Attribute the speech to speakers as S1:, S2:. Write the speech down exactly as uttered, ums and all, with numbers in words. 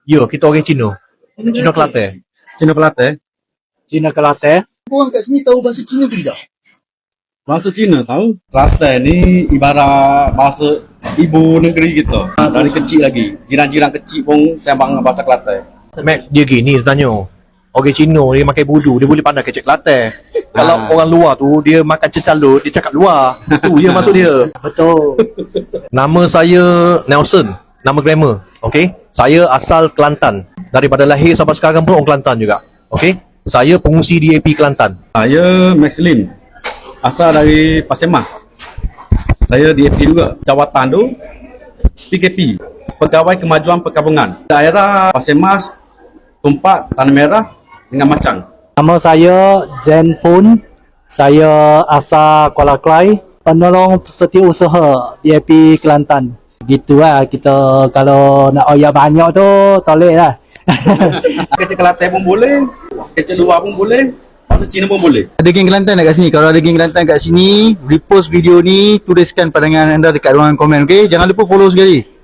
S1: Ya, kita orang Cina. Cina Kelantan.
S2: Cina Kelantan.
S1: Cina Kelantan.
S3: Orang kat sini tahu bahasa Cina ke tidak?
S2: Bahasa Cina tahu. Kelantan ni ibarat bahasa ibu negeri kita. Dari kecil lagi. Jiran-jiran kecil pun sembang bahasa Kelantan.
S1: Mac, dia gini dia tanya. Orang Cina dia makan budu, dia boleh pandai kecek Kelantan. Kalau
S2: Ah.
S1: orang luar tu dia makan cecalut, dia cakap luar. Tu dia maksud dia.
S3: Betul.
S1: Nama saya Nelson, nama grammar. Okey. Saya asal Kelantan. Daripada lahir sampai sekarang pun orang Kelantan juga. Okey. Saya pengungsi D A P Kelantan.
S2: Saya Maxlim. Asal dari Pasir Mas. Saya D A P juga. Jawatan tu P K P. Pegawai Kemajuan Perkabungan. Daerah Pasir Mas, Tumpak, Tanah Merah dengan Macang.
S3: Nama saya Zen Pun. Saya asal Kuala Krai. Penolong setiausaha D A P Kelantan. Gitu lah kita kalau nak oyak banyak tu tolek lah.
S2: Kecil Kelantan pun boleh. Kecil luar pun boleh. Bahasa Cina pun boleh.
S4: Ada geng Kelantan tak kat sini? Kalau ada geng Kelantan kat sini, repost video ni, tuliskan pandangan anda dekat ruangan komen, okey? Jangan lupa follow sekali.